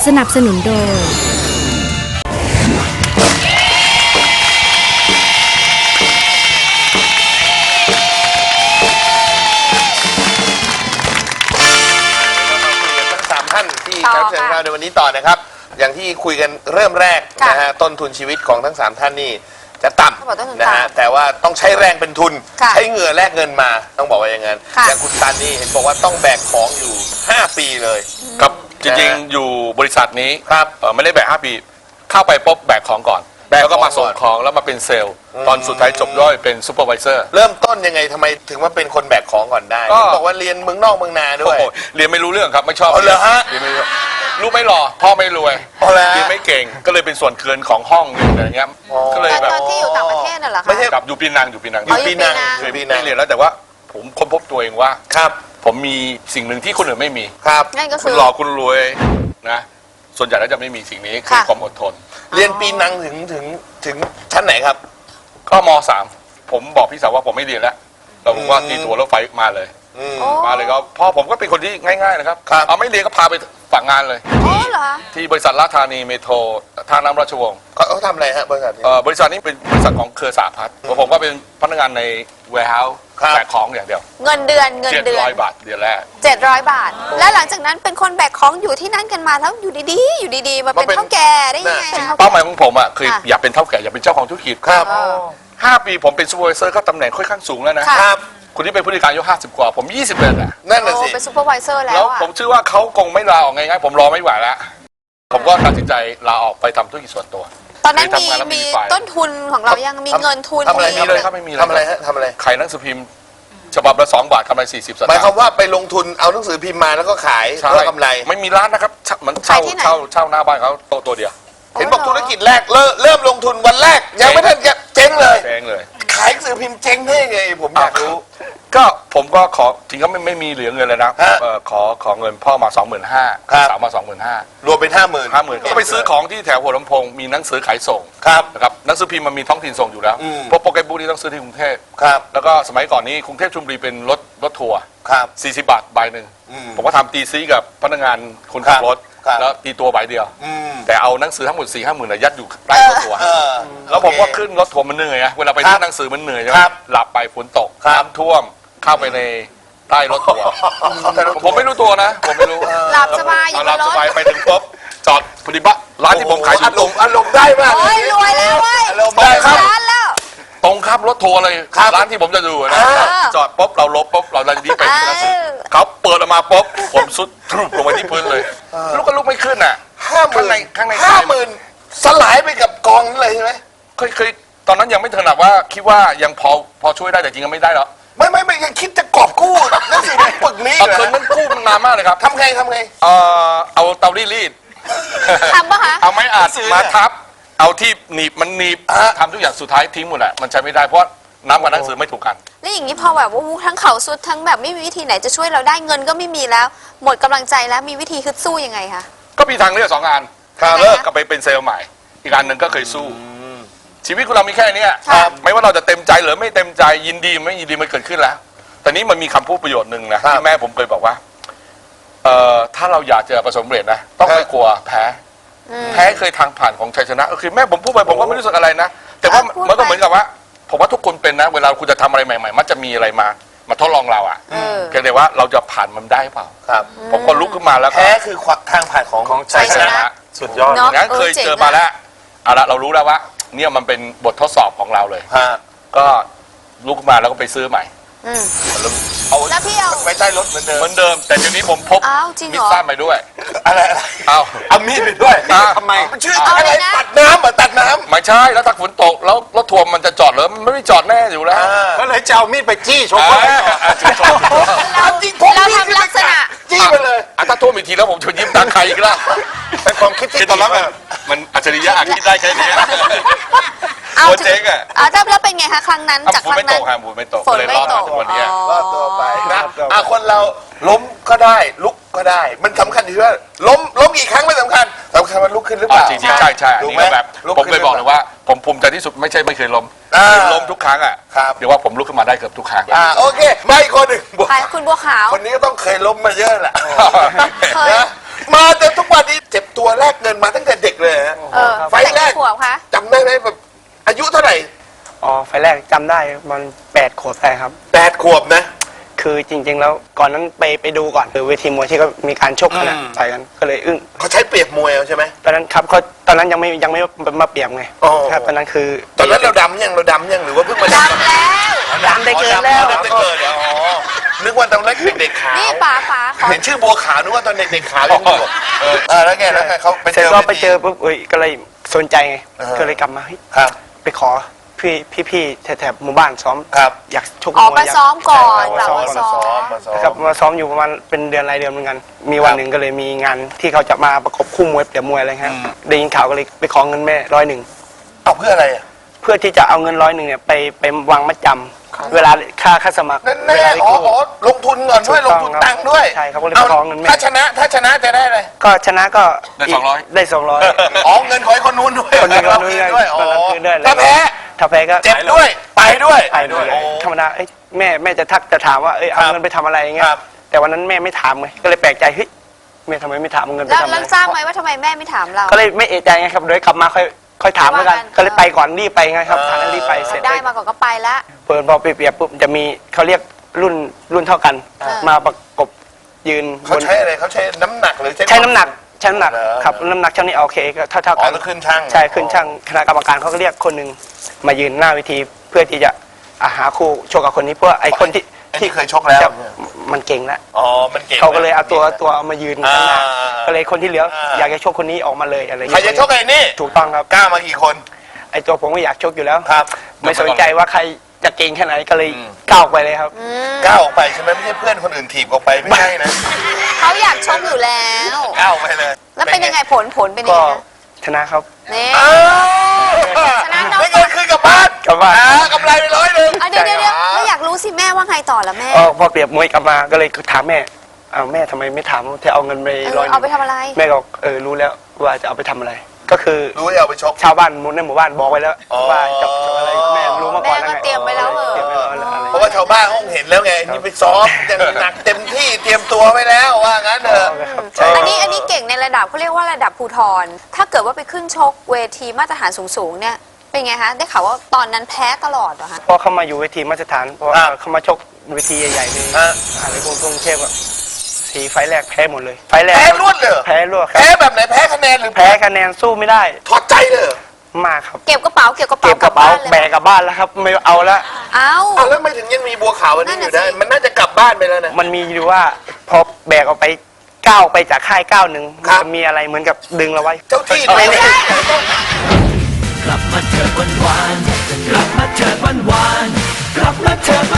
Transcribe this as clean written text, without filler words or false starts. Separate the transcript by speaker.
Speaker 1: สนับสนุนโดย
Speaker 2: ท่านที่แขกรับเชิญของเราในวันนี้ต่อนะครับอย่างที่คุยกันเริ่มแรกนะฮะต้นทุนชีวิตของทั้ง3ท่านนี่จะต่ำนะฮะแต่ว่าต้องใช้แรงเป็นทุนใช้เหงื่อแลกเงินมาต้องบอกว่าอย่างนั้นอย่างคุณตันนี่เห็นบอกว่าต้องแบกของอยู่5 ปีเลย
Speaker 3: ครับจริงๆอยู่บริษัทนี้ครับไม่ได้แบก5 ปีเข้าไปปุ๊บแบกของก่อนแล้วก็มาส่งของแล้วมาเป็นเซลล์ตอนสุดท้ายจบด้วยเป็นซูเปอร์ไวเซอร์
Speaker 2: เริ่มต้นยังไงทำไมถึงมาเป็นคนแบกของก่อนได้บอกว่าเรียนเมืองนอกเมืองนาด้วย
Speaker 3: เรียนไม่รู้เรื่องครับไม่ชอบ
Speaker 2: เหรอฮะ
Speaker 3: เรียนไม่รู้ลูกไม่หล่อพ่อไม่รวยเรียนไม่เก่งก็เลยเป็นส่วนเกินของห้องอะไรเงี้ยก็เลยแบบ
Speaker 4: ตอนที่อยู่ต่างประเทศน่ะเหรอคะ
Speaker 2: ไม่ใช่
Speaker 3: กับอยู่ปีนัง
Speaker 2: เคย
Speaker 3: เรียนแล้วแต่ว่าผมค้นพบตัวเองว่า
Speaker 2: ครับ
Speaker 3: ผมมีสิ่งหนึ่งที่คนอื่นไม่มี
Speaker 2: ครับ
Speaker 4: นั่นก็คื
Speaker 3: คุณหล่อคุณรวยนะส่วนใหญ่แล้วจะไม่มีสิ่งนี้คือความอดทน
Speaker 2: เรียนปีนังถึงชั้นไหนครับ
Speaker 3: ก็ม.3ผมบอกพี่สาวว่าผมไม่เรียนแล้วเราบอกว่าตีตัวรถไฟมาเลยก็พ่อผมก็เป็นคนที่ง่ายๆนะครับเอาไม่เรียนก็พาไปฝักงานเลยที่บริษัทราชธานีเมโทรท่าน้ำราชวงศ์
Speaker 2: เขาทำอะไรฮะบริษัทนี้
Speaker 3: บริษัทนี้เป็นบริษัทของเครือสหพัฒน์ผมก็เป็นพนักงานใน warehouse แบกของอย่างเดียว
Speaker 4: เงินเดือน
Speaker 3: 700 บาทเดือนแรก
Speaker 4: 700 บาทและหลังจากนั้นเป็นคนแบกของอยู่ที่นั่นกันมาแล้วอยู่ดีๆมาเป็นเท่าแก่ได้ยังไง
Speaker 3: เป้าหมายของผมอ่ะคืออยากเป็นเท่าแก่อยากเป็นเจ้าของธุรกิจ
Speaker 2: ครับ
Speaker 3: 5 ปีผมเป็นซูเปอร์ไวเซอร์ก็ตำแหน่งค่อนข้างสูงแล้วนะครับคนที่เป็นผู้จัดการอายุ50 กว่าผม20เลยอ่ะ
Speaker 2: นั่นแหละสิ
Speaker 4: เป็นซูเปอร์ไวเซอร์
Speaker 3: แล้วผมเชื่อว่าเขาคงไม่ลาออกง่ายๆผมรอไม่ไหวแล้วผมก็ตัดสินใจลาออกไปทำธุรกิจส่วนตัว
Speaker 4: ตอนนั้นมีต้นทุนของเรายังมีเงินทุน
Speaker 2: ทำอะไร
Speaker 3: มีเลยครับไม่มี
Speaker 2: ทำอะไรฮะทำอะไร
Speaker 3: ขายหนังสือพิมพ์ฉบับละ2 บาทกำไร40 สตางค์
Speaker 2: หมายความว่าไปลงทุนเอาหนังสือพิมพ์มาแล้วก็ขายเพื่อกำไร
Speaker 3: ไม่มีร้านนะครับมันเช่าหน้าบ้านเขาตัวเดียว
Speaker 2: เห็นบอกธุรกิจแรกเริ่มลงทุนวันแรกยังไม่ทันจะเจ๊งเลยขายหนังสือพิมพ์เจ๊งได้ไงผมอยากรู้
Speaker 3: ก็ผมก็ขอถึงก็ไม่มีเหลือเงินเลยนะขอเงินพ่อมา 25,000 สาวมา 25,000
Speaker 2: รวมเป็น 50,000
Speaker 3: ก็ไปซื้อของที่แถวหัวลำโพงมีหนังสือขายส่งนะครับหนังสือพิมพ์มันมีท้องถิ่นส่งอยู่แล้วเพราะโปรแกรมบุ๊กนี่ต้องซื้อที่กรุงเทพแล้วก็สมัยก่อนนี้กรุงเทพชลบุรีเป็นรถทัวร์40 บาทใบหนึ่งผมก็ทำตีซีกับพนักงานคนขับรถแล้วตีตัวใบเดียวแต่เอาหนังสือทั้งหมด 4-5 หมื่นยัดอยู่ใต้รถทัวร์แล้วผมก็ขึ้นรถทัวร์มันเหนื่อยเวลาไปซื้อหนังสือมันเหนื่อยใช่ไหมหลับไปฝนตกน้ำท่วมเข้าไปในใต้รถทัวร์ผมไม่รู้ตัวนะผมไม่รู้
Speaker 4: หลับสบายอยู่
Speaker 3: หลับสบายไปถึงปุ๊บจอดพอดีบ้าร้านที่ผมขาย
Speaker 2: อารมณ์ได้มาก
Speaker 4: รวยแล้วเว้ย
Speaker 2: อารมณ์ได้ครับ
Speaker 3: ตรงข้ามรถทัวร์เลยร้านที่ผมจะดูนะจอดปุ๊บเราลบปุ๊บเราจะดีไปหนังสือเขาเปิดออกมาปุ๊บผมสุดทรุบลงไปที่พื้นเลยลูกก็ลุกไม่ขึ้นอ่ะ
Speaker 2: ข้างใน50,000สลายไปกับกองนั่นเลยใช่ไหม
Speaker 3: เคยตอนนั้นยังไม่ถนัดว่าคิดว่ายังพอช่วยได้แต่จริงๆไม่ได้หรอก
Speaker 2: ไม่ยังคิดจะกอบกู้นั่นสิปึกนี้
Speaker 3: เคยนั่นกู้มันนานมากเลยครับ
Speaker 2: ทำไง
Speaker 3: เอาเตารีด
Speaker 4: ทำปะคะ
Speaker 3: เอาไม้อัดมาทับเอาที่หนีบมันหนีบทำทุกอย่างสุดท้ายทิ้งหมดแหละมันใช้ไม่ได้เพราะน้ำกับหนังสือไม่ถูกกัน
Speaker 4: แล้วอย่างนี้พอแบบว่าทั้งเขาสุดทั้งแบบไม่มีวิธีไหนจะช่วยเราได้เงินก็ไม่มีแล้วหมดกำลังใจแล้วมีวิธีฮึดสู้ยังไงคะ
Speaker 3: ก็มีทางเลือก2 อันเลิกกับไปเป็นเซลล์ใหม่อีกอันหนึ่งก็เคยสู้ชีวิตของเรามีแค่นี้ไม่ว่าเราจะเต็มใจหรือไม่เต็มใจยินดีไม่ยินดีมันเกิดขึ้นแล้วแต่นี้มันมีคำพูดประโยชน์หนึ่งนะที่แม่ผมเคยบอกว่าถ้าเราอยากจะประสบความสำเร็จนะต้องไม่กลัวแพ้เคยทางผ่านของชัยชนะคือแม่ผมพูดไปผมก็ไม่รู้สึกอะไรนะแต่ว่ามันก็เหมือนกับว่าผมว่าทุกคนเป็นนะเวลาคุณจะทำอะไรใหม่ๆมันจะมีอะไรมาทดลองเราอ่ะแค่แต่ว่าเราจะผ่านมันได้เปล่าผมก็ลุกขึ้นมาแล้ว
Speaker 2: แพ้คือทางผ่านของชัยชนะ
Speaker 3: สุดยอดงั้นเคยเจอมาแล้วเอาละเรารู้แล้วว่าเนี่ยมันเป็นบททดสอบของเราเลยก็ลุกขึ้นมาแล้วก็ไปซื้อใหม่
Speaker 4: แล้วพี่เอา
Speaker 2: ไปใต้รถเหมือนเ
Speaker 3: ดิมแต่ทีนี้ผมพกมีดสั้นไปด้วย
Speaker 2: อะไรเอามีดไปด้วยทำไมมันชื่ออะไรตัดน้ำ
Speaker 3: ไม่ใช่แล้วถ้าฝนตกแล้วรถทัวร์มันจะจอดหรือมันไม่จอดแน่อยู่แล้ว
Speaker 2: ก็เลยจะเอามีดไปจี้ชก
Speaker 4: เราทำลักษณะ
Speaker 2: จี้ไปเลย
Speaker 3: ถ้าท่วมอีกทีแล้วผมจะยิ้มตาใครอีกแล้ว
Speaker 2: เป็นความคิดที่
Speaker 3: ตอนนั้นมันอัจฉริยะคิดได้แค่นี้
Speaker 4: ตัวเจ๊งอ่ะแล้วเป็นไงคะครั้งนั้นจากครั้งนั้น
Speaker 3: ฝนไม่ตกเลยรอดมาทุกวันนี้
Speaker 2: รอดตัวไปนะคนเราล้มก็ได้ลุกก็ได้มันสำคัญที่ว่าล้มกี่ครั้งไม่สำคัญว่าลุกขึ้นหรือเปล่า
Speaker 3: จริงใช่อันนี้แบบผมเคยบอกเลยว่าผมภูมิใจที่สุดไม่ใช่ไม่เคยล้มทุกครั้งอ่ะเดี๋ยวว่าผมลุกขึ้นมาได้เกือบทุกครั้ง
Speaker 2: โอเคไม่คนหนึ่ง
Speaker 4: คุณบัวขาว
Speaker 2: คนนี้ก็ต้องเคยล้มมาเยอะแหละมาจนทุกวันนี้เจ็บตัวนมาตั้งแต่เด็กเลยฮะ ไฟล์แรก
Speaker 4: กี่ขวบคะ
Speaker 2: จำได้ไหมแบบอายุเท่าไหร่
Speaker 1: อ๋อไฟล์แรกจำได้มัน8 ขวบได้ครับ
Speaker 2: 8 ขวบนะ
Speaker 1: คือจริง ๆ แล้วก่อนนั้นไปดูก่อนคือเวทีมวยที่เขามีการชกกันอะต่อยกันก็เลยอึ้ง
Speaker 2: เขาใช้เปรียบมวยเอาใช่ไหม
Speaker 1: ตอนนั้นครับเขาตอนนั้นยังไม่มาเปรียบไง
Speaker 2: อ๋อ
Speaker 1: ครับตอนนั้นคือ
Speaker 2: ตอนนั้นเราดำยังหรือว่าเพิ่งมาดำ
Speaker 4: ดำแล้ว
Speaker 1: ดำได้เกินแล้ว
Speaker 2: ดำได้เกินแล้วอ๋อนึกว่าตอนเล็กเด็กๆขาว
Speaker 4: นี่ป๋าขอ
Speaker 2: เห็นชื่อบัวขาวนึกว่าตอนเด็กๆขาวยังอยู่แล้วไงเขาไป
Speaker 1: เสร็
Speaker 2: เจ
Speaker 1: จ
Speaker 2: อ
Speaker 1: ก็ไปเจอปุ๊บก็เลยสนใจไง
Speaker 2: อ่า
Speaker 1: ก็เลยกลับมาเฮ้ย
Speaker 2: ครับ
Speaker 1: ไปขอพี่แถบหมู่บ้านซ้อม
Speaker 2: ครับ
Speaker 1: อยากชก
Speaker 4: ออก
Speaker 1: มวย
Speaker 4: มา
Speaker 1: อยาก
Speaker 4: ซ้อมก่อน
Speaker 1: มา
Speaker 4: กลับ
Speaker 1: ซ้อม
Speaker 4: มาซ้อม
Speaker 1: ครับมาซ้อมอยู่ประมาณเป็นเดือนรายเดือนเหมือนกัน มีวันหนึ่งก็เลยมีงานที่เขาจะมาประกบคู่มวยเปรียบมวยอะไรครับได้ยินข่าวก็เลยไปขอเงินแม่100
Speaker 2: เอาเพื่ออะไรอ่ะ
Speaker 1: เพื่อที่จะเอาเงิน100เนี่ยไปวางมัดจำเวลาค่าสมัคร
Speaker 2: นั่น
Speaker 1: เว
Speaker 2: แน่
Speaker 1: ลาไป
Speaker 2: อ๋อ
Speaker 1: กู้
Speaker 2: ลงทุนก่อนด้วย
Speaker 1: ถู
Speaker 2: ล
Speaker 1: ก
Speaker 2: ง
Speaker 1: ต้อง
Speaker 2: ทุน
Speaker 1: ครับ
Speaker 2: ตังค์ด้วย
Speaker 1: ใช่เขาก็เลย
Speaker 2: เอา
Speaker 1: ขอเงินแม่
Speaker 2: ถ้าชนะจะได้อะไร
Speaker 1: ก็ชนะก็
Speaker 3: ได้
Speaker 1: ก
Speaker 3: 200
Speaker 1: ได้200
Speaker 2: อ๋อเงินของไอ้คนนู้นด้วย
Speaker 1: คนนี้ก็
Speaker 2: เรา
Speaker 1: นู้น
Speaker 2: คืนด้วยอ๋อ
Speaker 1: เราคืนด้วย
Speaker 2: ถ้าแพ้
Speaker 1: ถ้าแพ้ก็
Speaker 2: เจ็บด้วยไปด้วย
Speaker 1: ไปด้วยธรรมดาเอ้ยแม่จะถามว่าเอาเงินไปทำอะไรอย่างเงี้ย
Speaker 2: ครับ
Speaker 1: แต่วันนั้นแม่ไม่ถามไงก็เลยแปลกใจเฮ้ยแม่ทำไมไม่ถามเอาเงินไป
Speaker 4: แล้ว
Speaker 1: ทำอะไร
Speaker 4: ทราบไหมว่าทำไมแม่ไม่ถามเรา
Speaker 1: ก็เลยไม่เอะใจไงครับเดี๋ยวกลับมาค่อยถามแล้วกัน
Speaker 4: ว่ากัน
Speaker 1: ก็เลยไปก่อนรีบไปไงครับทางนั้นรีบไปเสร็จ
Speaker 4: ได้มาก่อนก็ไปละ
Speaker 1: เปิดพอเปรียบปุ๊บจะมีเขาเรียกรุ่นเท่ากัน มาประกบยืน
Speaker 2: เขาใช้อะไรเขาใช้น้ำหนักหรือ
Speaker 1: ใช้น้ำหนัก
Speaker 2: เหรอ
Speaker 1: ครับน้ำหนักช่างนี้โอเคก็เท่า
Speaker 2: อ๋อ
Speaker 1: กัน
Speaker 2: ต้องขึ้นช่าง
Speaker 1: ใช่ขึ้นช่างคณะกรรมการเขาก็เรียกคนหนึ่งมายืนหน้าเวทีเพื่อที่จะหาคู่ชกกับคนนี้เพื่อไอ้คนที่
Speaker 2: ไอ้ที่เคยชกแล้ว
Speaker 1: จะมันเก่งแล้ว
Speaker 2: อ๋อมันเก่ง
Speaker 1: เขาก็เลยเอาตัวเอามายืนข้างหน้า
Speaker 2: อ่า
Speaker 1: ก็เลยคนที่เหลืออยากจะชกคนนี้ออกมาเลยอะไร
Speaker 2: ใครจะชกไอ้นี่
Speaker 1: ถูกต้องครับ
Speaker 2: กล้ามากี่คน
Speaker 1: ไอ้ตัวผมก็อยากชกอยู่แล้ว
Speaker 2: ครับ
Speaker 1: ไม่สนใจว่าใครจะเก่งแค่ไหนก็เลยก้าวไปเลยครับ
Speaker 2: ก้าวออกไปใช่ไหมไม่ใช่เพื่อนคนอื่นถีบออกไปไม่ใช่นะ
Speaker 4: เขาอยากชกอยู่แล้ว
Speaker 2: ก้าวไปเลย
Speaker 4: แล้วเป็นยังไงผลเป็นยัง
Speaker 1: ก็
Speaker 4: ไงนะ
Speaker 1: ชนะครับ
Speaker 4: นี่
Speaker 2: อ้าว
Speaker 4: ชนะน้อง
Speaker 2: ได้เงินคืนกลับบ้าน
Speaker 1: กลับบ้าน
Speaker 2: กำไรไป100
Speaker 4: อ่ะเดี๋ยวแล้วอยากรู้สิแม่ว่าไงต่อละแม่
Speaker 1: พอเปรียบมวยกลับมาก็เลยถามแม่เอาแม่ทำไมไม่ถามที่เอาเงินไป100
Speaker 4: เอาไปทำอะไร
Speaker 1: แม่ก็บอกรู้แล้วว่าจะเอาไปทำอะไร ก็คือ
Speaker 2: รู้ให้เอาไปชก
Speaker 1: ชาวบ้านในหมู่บ้านบอกไว้แล้ว
Speaker 2: อ๋อ
Speaker 1: ว่าจะอะไรแม่รู้มาก่อนแล้ว
Speaker 4: แม่
Speaker 1: ไง
Speaker 4: ก็เตรียมไว้แล้วเหรอ
Speaker 1: เตรียมไว้แล้วอะไร
Speaker 2: เพราะว่าชาวบ้านเขาเห็นแล้วไงนี่ไปซ้อมอย่างหนักเต็มที่เตรียมตัวไว้แล้วว่างั้นเถอะ
Speaker 4: อันนี้เก่งในระดับเขาเรียกว่าระดับภูทรถ้าเกิดว่าไปขึ้นชกเวทีมาตรฐานสูงๆเนี่ยเป็นไงคะได้ข่าวว่าตอนนั้นแพ้ตลอดเหรอคะ
Speaker 1: พอเข้ามาอยู่เวทีมาตรฐานเพราะว่าเขามาชกเวทีใหญ่ๆเลย
Speaker 2: ฮะ
Speaker 1: อะไรกรุงเทพอะ4 ไฟล์แรกแพ้หมดเลย ไฟล์แรก
Speaker 2: แพ้รวดเลยเหรอ
Speaker 1: แพ้รวดครับ
Speaker 2: แพ้แบบไหนแพ้คะแนนหรือ
Speaker 1: แพ้คะแนนสู้ไม่ได้
Speaker 2: ถอดใจเลยเหรอ
Speaker 1: มากครับ
Speaker 4: เก็บกระเป๋า
Speaker 1: เก็บกระเป๋าแบกกลับบ้านแล้วครับไม่เอาละ
Speaker 4: เอ้า
Speaker 2: อ้าวแล้วไม่ถึงยังมีบัวขาวอันนี้อยู่ได้
Speaker 4: นั่นน่ะสิ
Speaker 2: มันน่าจะกลับบ้านไปแล้วนะ
Speaker 1: มันมีอยู่ว่าพอแบกออกไปก้าวไปจากค่ายก้าวหนึ่ง
Speaker 2: ครับ
Speaker 1: จะมีอะไรเหมือนกับดึงเราไว้
Speaker 2: เจ้าที่
Speaker 1: ไม่ได้
Speaker 5: กลับมาเถิดวันวานๆกลับมาเถิดวันวานๆกลับมาเถิด